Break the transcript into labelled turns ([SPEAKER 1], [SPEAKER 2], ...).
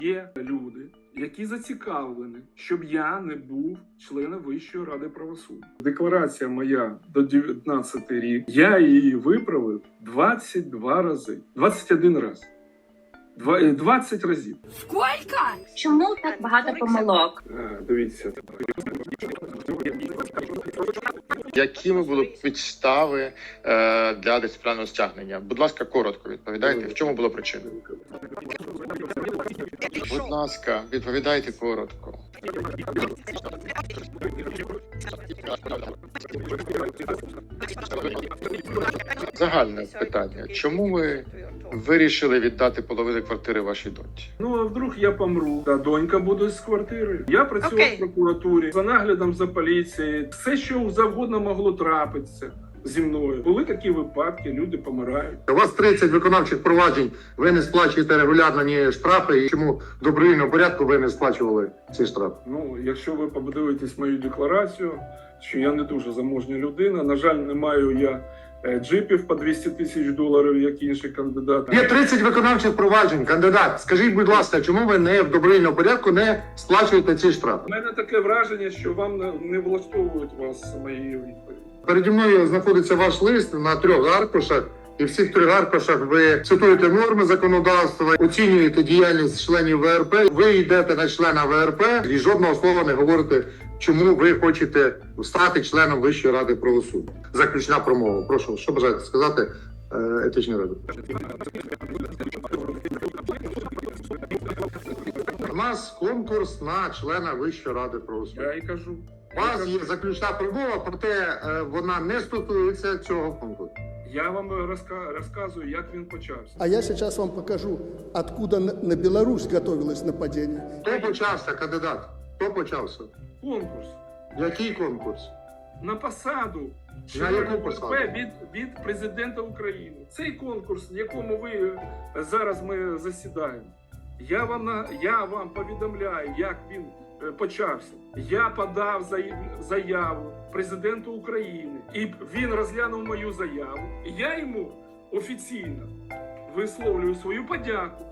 [SPEAKER 1] Є люди, які зацікавлені, щоб я не був членом Вищої ради правосуддя. Декларація моя до 19 рік, я її виправив 22 рази. 21 раз. 20 разів.
[SPEAKER 2] Сколько?
[SPEAKER 3] Чому так багато помилок?
[SPEAKER 1] Дивіться.
[SPEAKER 4] Якими були підстави для дисциплінарного стягнення? Будь ласка, коротко відповідайте. В чому була причина? Будь ласка, відповідайте коротко. Загальне питання. Чому ви вирішили віддати половину квартири вашій доньці?
[SPEAKER 1] Ну, а вдруг я помру, та донька буде з квартири. Я працював в прокуратурі, за наглядом за поліцією. Все, що завгодно могло трапитися зі мною. Були такі випадки, люди помирають.
[SPEAKER 5] У вас 30 виконавчих проваджень, ви не сплачуєте регулярно ні штрафи, і чому в добровільному порядку ви не сплачували ці штрафи?
[SPEAKER 1] Ну, якщо ви подивитесь мою декларацію, що я не дуже заможня людина, на жаль, не маю я джипів по 200 тисяч доларів, як інші кандидати.
[SPEAKER 5] Є 30 виконавчих проваджень, кандидат. Скажіть, будь ласка, чому ви не в добровільному порядку не сплачуєте ці штрафи?
[SPEAKER 1] У мене таке враження, що вам не влаштовують вас мої відповіді.
[SPEAKER 5] Переді мною знаходиться ваш лист на 3 аркушах, і в цих 3 аркушах ви цитуєте норми законодавства, оцінюєте діяльність членів ВРП, ви йдете на члена ВРП і жодного слова не говорите, чому ви хочете стати членом Вищої ради правосуддя. Заключна промова. Прошу, що бажаєте сказати етичній раді? У нас конкурс на члена Вищої ради правосуддя.
[SPEAKER 1] Я і кажу.
[SPEAKER 5] У вас є заключна промова, проте вона не стосується цього конкурсу.
[SPEAKER 1] Я вам розказую, як він почався.
[SPEAKER 6] А я сейчас вам покажу, откуда на Беларусь готовилось нападение.
[SPEAKER 5] Хто почався, кандидат? Хто почався?
[SPEAKER 1] Конкурс
[SPEAKER 5] Який конкурс?
[SPEAKER 1] на посаду
[SPEAKER 5] На яку
[SPEAKER 1] члена
[SPEAKER 5] посаду?
[SPEAKER 1] ВРП від президента України. Цей конкурс, в якому ви зараз ми засідаємо, я вам повідомляю, як він почався. Я подав заяву президенту України, і він розглянув мою заяву. І я йому офіційно висловлюю свою подяку.